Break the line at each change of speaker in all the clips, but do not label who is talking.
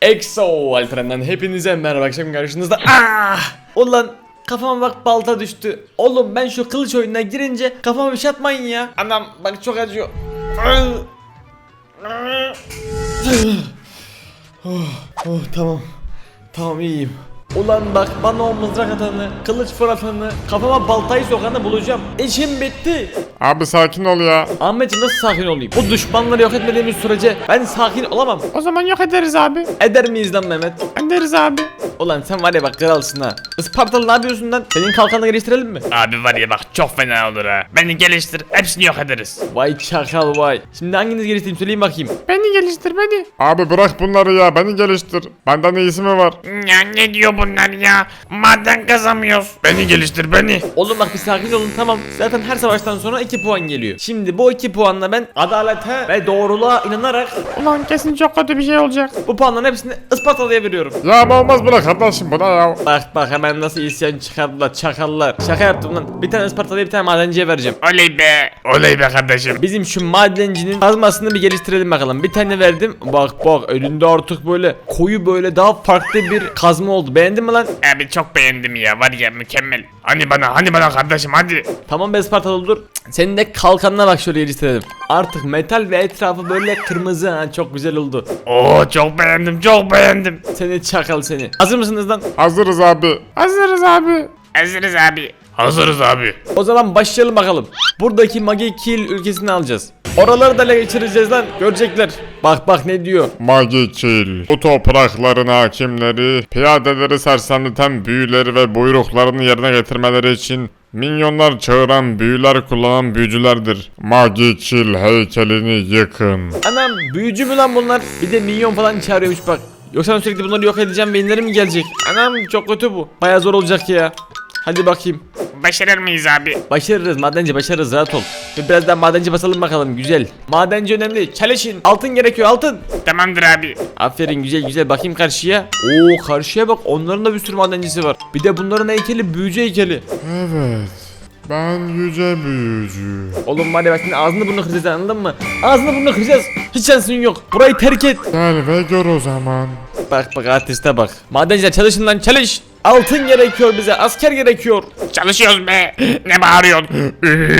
EXO Alperen'den hepinize merhaba, akşam karşınızda. Ulan kafama bak, balta düştü. Oğlum ben şu kılıç oyununa girince kafama bir şey atmayın ya. Anam bak çok acıyor. Tamam. Tamam, iyiyim. Ulan bak, bana o mızrak atanı, kılıç fırlatanı, kafama baltayı sokanı bulacağım. İşim bitti.
Abi sakin ol ya.
Ahmetciğim, nasıl sakin olayım? Bu düşmanları yok etmediğimiz sürece ben sakin olamam.
O zaman yok ederiz abi.
Eder miyiz lan Mehmet?
Ederiz abi.
Ulan sen var ya bak, kralsın ha. Ispartalı ne yapıyorsun lan? Senin kalkanını geliştirelim mi?
Abi var ya bak, çok fena olur ha. Beni geliştir, hepsini yok ederiz.
Vay çakal vay. Şimdi hanginiz geliştireyim söyleyin bakayım.
Beni geliştir beni. Abi bırak bunları ya, beni geliştir. Benden iyisi mi var?
Ya ne diyor bunlar ya? Maden kazamıyoruz. Beni geliştir beni.
Oğlum bak, bir sakin olun, tamam. Zaten her savaştan sonra 2 puan geliyor. Şimdi bu 2 puanla ben adalete ve doğruluğa inanarak
Ulan kesin çok kötü bir şey olacak.
bu puanların hepsini Ispartalı'ya veriyorum.
Ya ama olmaz bırak kardeşim buna ya.
Bak bak, hemen nasıl isyan çıkardılar çakallar. Şaka yaptım lan. Bir tane Ispartalı'ya bir tane madenciye vereceğim.
Oley be. Oley be kardeşim.
Bizim şu madencinin kazmasını bir geliştirelim bakalım. Bir tane verdim. Bak bak, elinde artık böyle koyu, böyle daha farklı bir kazma oldu. Beğendin mi lan?
Abi çok beğendim ya, var ya mükemmel. Hani bana kardeşim hadi.
Tamam be Ispartalı, dur. Senin de kalkanına bak, şöyle geliştirelim. Artık metal ve etrafı böyle kırmızı, ha, çok güzel oldu.
Oo çok beğendim, çok beğendim.
Seni çakal seni. Hazır mısınız lan?
Hazırız abi. Hazırız abi.
Hazırız abi. Hazırız abi.
O zaman başlayalım bakalım. Buradaki Magi Kill ülkesini alacağız. Oraları da ele geçireceğiz lan. Görecekler. Bak bak ne diyor.
Magikil. Bu toprakların hakimleri, piyadeleri sersemleten büyüleri ve buyruklarını yerine getirmeleri için minyonlar çağıran, büyüler kullanan büyücülerdir. Magikil heykelini yıkın.
Anam, büyücü mü lan bunlar? Bir de minyon falan çağırıyormuş bak. Yoksa sürekli bunları yok edeceğim ve inlerim mi gelecek? Anam çok kötü bu. Baya zor olacak ya. Hadi bakayım.
Başarır mıyız abi?
Başarırız madenci, başarırız, rahat ol. Ve biraz daha madenci basalım bakalım, güzel. Madenci önemli, çalışın. Altın gerekiyor, altın.
Tamamdır abi.
Aferin, güzel güzel, bakayım karşıya. Oo, karşıya bak, onların da bir sürü madencisi var. Bir de bunların heykeli büyücü heykeli.
Evet. Ben yüce büyücü.
Oğlum var ya bak, şimdi ağzını burnunu kıracağız, anladın mı? Ağzını burnunu kıracağız. Hiç şansın yok. Burayı terk et.
Gel ve gör o zaman.
Bak bak, artiste bak. Madenciler çalışın lan, çalış. Altın gerekiyor bize, asker gerekiyor.
Çalışıyoruz be. Ne bağırıyorsun?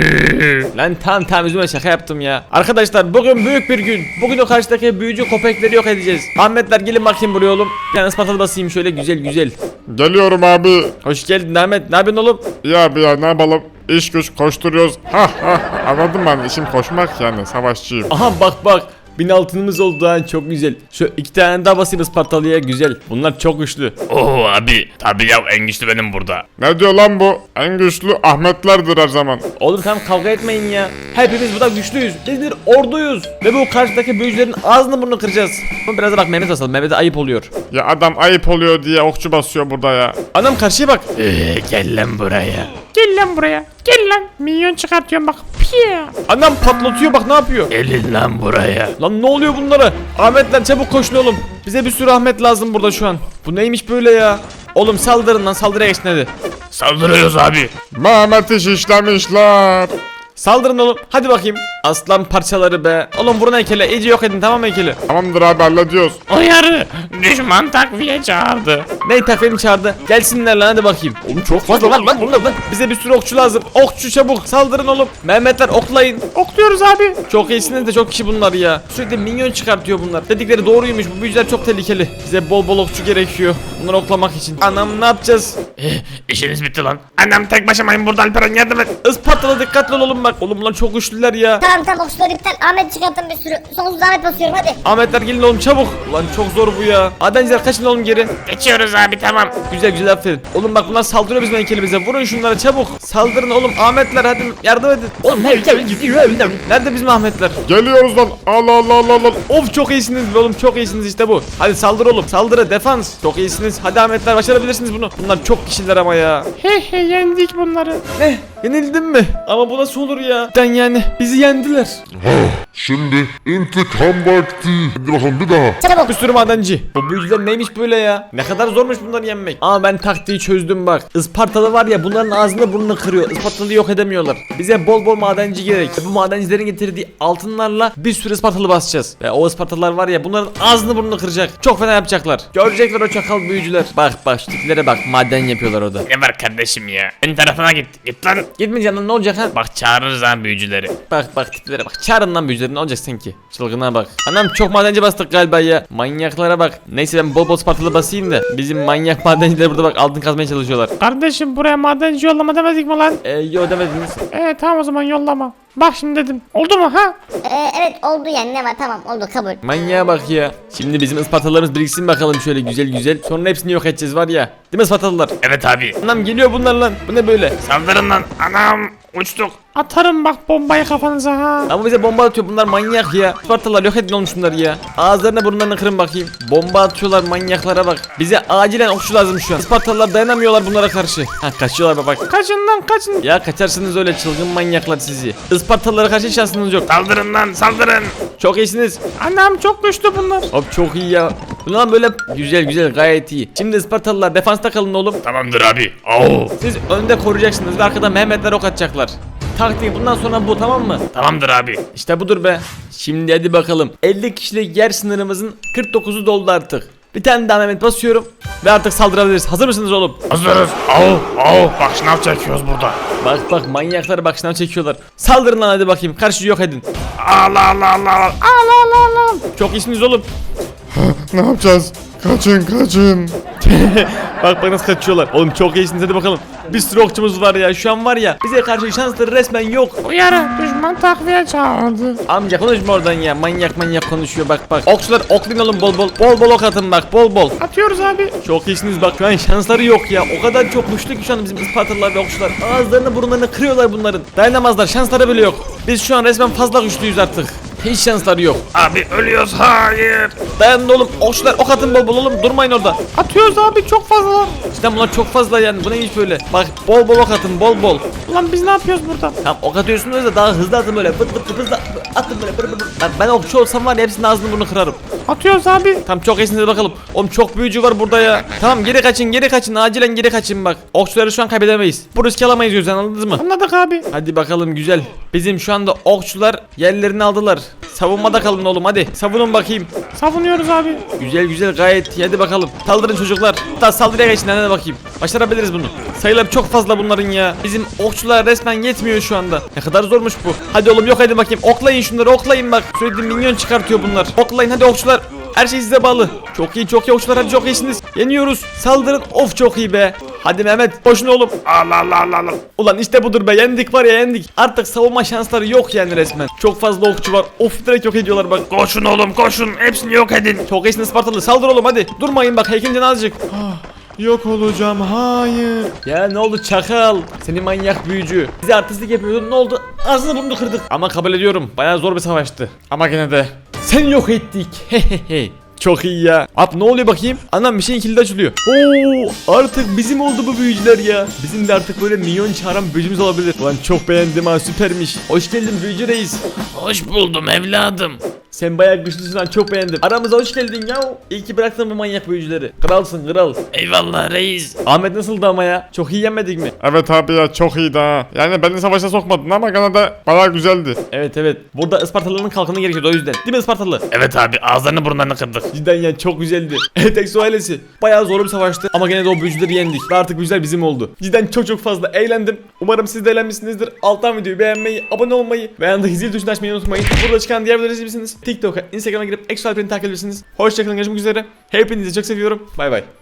Lan tamam üzülme, şaka yaptım ya. Arkadaşlar bugün büyük bir gün. Bugün o karşıdaki büyücü köpekleri yok edeceğiz. Ahmetler gelin bakayım buraya oğlum. Bir tane Ispartalı basayım şöyle, güzel güzel.
Geliyorum abi.
Hoş geldin Ahmet, ne yapıyorsun oğlum?
Ya abi ya, ne yapalım? İş güç koşturuyoruz. Anladım ben, işim koşmak yani, savaşçıyım.
Aha bak bak. 1000 altınımız oldu ha, çok güzel. Şu 2 tane daha basayım Ispartalı'ya, güzel. Bunlar çok güçlü.
Oo abi. Tabii ya, en güçlü benim burada.
Ne diyor lan bu? En güçlü Ahmetlerdir her zaman.
Oğlum tamam, kavga etmeyin ya. Hepimiz burada güçlüyüz. Biz bir orduyuz. Ve bu karşıdaki büyücülerin ağzını burnunu kıracağız. Ama biraz da bak, Mehmet basalım. Mehmet'e ayıp oluyor.
Ya adam ayıp oluyor diye okçu basıyor burada ya.
Anam karşıya bak.
Gel lan buraya.
Gel lan buraya. Gel lan. Minyon çıkartıyorum bak. Piya.
Anam patlatıyor bak, ne yapıyor?
Gelin lan buraya.
Lan ne oluyor bunlara? Ahmetler çabuk koşun oğlum. Bize bir sürü Ahmet lazım burada şu an. Bu neymiş böyle ya? Oğlum saldırın lan, saldırıya geçin hadi.
Saldırıyoruz abi.
Mehmet'i şişlemişler.
Saldırın oğlum, hadi bakayım. Aslan parçaları be. Oğlum vurun heykele, iyice yok edin, tamam mı heykeli?
Tamamdır abi, hallediyoruz.
Uyarı. Düşman takviye çağırdı.
Ney, takvim çağırdı. Gelsinler lan, hadi bakayım. Oğlum çok fazla lan bunlar lan. Bize bir sürü okçu lazım. Okçu çabuk saldırın oğlum. Mehmetler oklayın.
Okluyoruz abi.
Çok iyisiniz de çok kişi bunlar ya. Sürekli minyon çıkartıyor bunlar. Dedikleri doğruymuş, bu büyücüler çok tehlikeli. Bize bol bol okçu gerekiyor bunları oklamak için. Anam ne yapacağız?
İşiniz bitti lan. Annem tek başımayım burada, Alperen yardım et.
Ispartalı dikkatli ol oğlum bak. Oğlum bunlar çok güçlüler ya.
Tamam okçuları iptal. Ahmet çıkarttım bir sürü. Sonsuz Ahmet basıyorum hadi.
Ahmetler gelin oğlum çabuk. Ulan çok zor bu ya. Madenciler kaçın oğlum geri.
Geçiyoruz abi, tamam.
Güzel güzel, aferin. Oğlum bak, bunlar saldırıyor bizim heykelimize. Vurun şunlara çabuk. Saldırın oğlum. Ahmetler hadi yardım edin. Oğlum nerede bizim Ahmetler?
Geliyoruz lan. Allah.
Of çok iyisiniz be oğlum, çok iyisiniz, işte bu. Hadi saldır oğlum, saldırı, defans. Çok iyisiniz. Hadi Ahmetler, başarabilirsiniz bunu. Bunlar çok kişiler ama ya.
Yendik bunları.
Ne? Yenildim mi? Ama bu nasıl olur ya? Cidden yani bizi yendiler.
Şimdi intikam vakti. Hadi bakalım bir daha.
Çabuk.
Bir sürü madenci. Bu büyücüler neymiş böyle ya? Ne kadar zormuş bunları yenmek. Ama ben taktiği çözdüm bak. Ispartalı var ya, bunların ağzını burnunu kırıyor. Ispartalı yok edemiyorlar. Bize bol bol madenci gerek. Bu madencilerin getirdiği altınlarla bir sürü Ispartalı basacağız. Ve o Ispartalılar var ya, bunların ağzını burnunu kıracak. Çok fena yapacaklar. Görecekler o çakal büyücüler. Bak şu tiplere bak, maden yapıyorlar orada.
Ne var kardeşim ya? Ön tarafına git. Git lan.
Gitmeyeceğim lan, ne olacak ha?
Bak çağırırız ha büyücüleri.
Bak tiplere bak. Çağırın lan büyücüleri, ne olacak sanki? Çılgına bak. Anam çok madenci bastık galiba ya. Manyaklara bak. Neyse ben bol bol Spartalı basayım da. Bizim manyak madenciler burada bak altın kazmaya çalışıyorlar.
Kardeşim buraya madenci yollama demedik mi lan?
Yo demediniz.
Tamam o zaman yollama. Bak şimdi dedim. Oldu mu ha?
Evet oldu yani, ne var, tamam oldu, kabul.
Manyağa bak ya. Şimdi bizim Ispartalılarımız biriksin bakalım şöyle güzel güzel. Sonra hepsini yok edeceğiz var ya. Değil mi Ispartalılar?
Evet abi.
Anam geliyor bunlar lan. Bu ne böyle?
Saldırın lan. Anam. Uçtuk.
Atarım bak bombayı kafanıza ha.
Ama bize bomba atıyor, bunlar manyak ya. Ispartalılar yok edin olmuş bunlar ya. Ağızlarına burunlarına kırın bakayım. Bomba atıyorlar, manyaklara bak. Bize acilen okçu lazım şu an. Ispartalılar dayanamıyorlar bunlara karşı. Ha kaçıyorlar bak.
Kaçın lan kaçın.
Ya kaçarsınız öyle çılgın manyaklar sizi. Ispartalılara karşı şansınız yok.
Saldırın lan. Saldırın.
Çok iyisiniz.
Anam çok güçlü bunlar.
Hop çok iyi ya. Ulan böyle güzel gayet iyi. Şimdi Ispartalılar defansta kalın oğlum.
Tamamdır abi. Oo.
Siz önde koruyacaksınız ve arkada Mehmetler ok atacaklar. Taktiği bundan sonra bu, tamam mı?
Tamamdır abi.
İşte budur be. Şimdi hadi bakalım. 50 kişilik yer sınırımızın 49'u doldu artık. Bir tane daha Mehmet basıyorum ve artık saldırabiliriz. Hazır mısınız oğlum?
Hazırız. Oo. Bak şınav çekiyoruz burada.
Bak manyaklar bak şınav çekiyorlar. Saldırın lan hadi bakayım. Karşı yok edin.
Allah.
Çok iyisiniz oğlum.
Ne yapacağız? Kaçın.
Bak nasıl kaçıyorlar. Oğlum çok iyisiniz hadi bakalım. Bir sürü okçumuz var ya. Şu an var ya, bize karşı şansları resmen yok.
Uyarı düşman takviye çağırdı.
Amca konuşma oradan ya. Manyak konuşuyor bak. Okçular oklayın oğlum bol bol. Bol ok atın bak bol.
Atıyoruz abi.
Çok iyisiniz bak, şu an şansları yok ya. O kadar çok güçlü ki şu an bizim Ispartalılar ve okçular. Ağızlarını burunlarını kırıyorlar bunların. Dayanamazlar, şansları bile yok. Biz şu an resmen fazla güçlüyüz artık. Hiç şansları yok.
Abi ölüyoruz. Hayır.
Dayanın oğlum, okçular ok atın bol oğlum, durmayın orada.
Atıyoruz abi çok fazla.
İşte bunlar çok fazla yani, bu neymiş böyle. Bak bol ok atın bol.
Ulan biz ne yapıyoruz burada?
Tamam ok atıyorsunuz da daha hızlı atın böyle. Vıt hızlı atın böyle. Bak ben okçu olsam var ya, hepsinin ağzını burnunu kırarım.
Atıyoruz abi.
Tamam çok iyisiniz, hadi bakalım. Oğlum çok büyücü var burada ya. Tamam geri kaçın acilen geri kaçın bak. Okçuları şu an kaybedemeyiz. Bu riski alamayız gözden, anladınız mı?
Anladık abi.
Hadi bakalım güzel. Bizim şu anda okçular yerlerini aldılar. Savunmada kalın oğlum, hadi savunun bakayım.
Savunuyoruz abi.
Güzel gayet iyi, hadi bakalım. Saldırın çocuklar. Hatta saldırıya geçin, hadi bakayım. Başarabiliriz bunu. Sayılar çok fazla bunların ya. Bizim okçular resmen yetmiyor şu anda. Ne kadar zormuş bu. Hadi oğlum yok edin bakayım. Oklayın şunları, oklayın bak. Sürekli minyon çıkartıyor bunlar. Oklayın hadi okçular. Her şey size bağlı. Çok iyi okçular, hadi çok iyisiniz. Yeniyoruz. Saldırın. Of çok iyi be. Hadi Mehmet koşun oğlum.
Allah.
Ulan işte budur be, yendik var ya, yendik. Artık savunma şansları yok yani resmen. Çok fazla okçu var. Of direkt yok ediyorlar bak.
Koşun oğlum koşun. Hepsini yok edin.
Çok iyisin Spartalı, saldır oğlum hadi. Durmayın bak, heykelin azıcık.
Yok olacağım, hayır.
Ya ne oldu çakal? Seni manyak büyücü. Bize artistlik yapıyordun, ne oldu? Ağzını burnunu kırdık. Ama kabul ediyorum, bayağı zor bir savaştı. Ama gene de seni yok ettik. Hehehe. Çok iyi ya. Ne oluyor bakayım? Anam bir şeyin kilidi açılıyor. Oo, artık bizim oldu bu büyücüler ya. Bizim de artık böyle milyon çağıran büyücümüz olabilir. Ulan çok beğendim ha, süpermiş. Hoş geldin büyücü reis.
Hoş buldum evladım.
Sen bayağı güçlüsün lan, çok beğendim. Aramıza hoş geldin ya. İyi ki bıraktın bu manyak büyücüleri. Kralsın kral.
Eyvallah reis.
Ahmet nasıldı ama ya? Çok iyi yenmedik mi?
Evet abi ya, çok iyiydi ha. Yani beni savaşa sokmadın ama gene de bayağı güzeldi.
Evet. Burada Ispartalıların kalkanı gerekiyordu o yüzden. Değil mi Ispartalı?
Evet abi ağızlarını burnlarını kırdık.
Cidden ya çok güzeldi. Evet Exo ailesi. Bayağı zor bir savaştı ama gene de o büyücüleri yendik. Ve artık güzel bizim oldu. Cidden çok fazla eğlendim. Umarım siz de eğlenmişsinizdir. Alttan videoyu beğenmeyi, abone olmayı ve yanındaki zil tuşunu açmayı unutmayın. Burada çıkan diğer videoları izleyebilirsiniz. TikTok'a, Instagram'a girip Exo Alper'ini takip edebilirsiniz. Hoşçakalın, görüşmek üzere. Hepinizi çok seviyorum. Bay bay.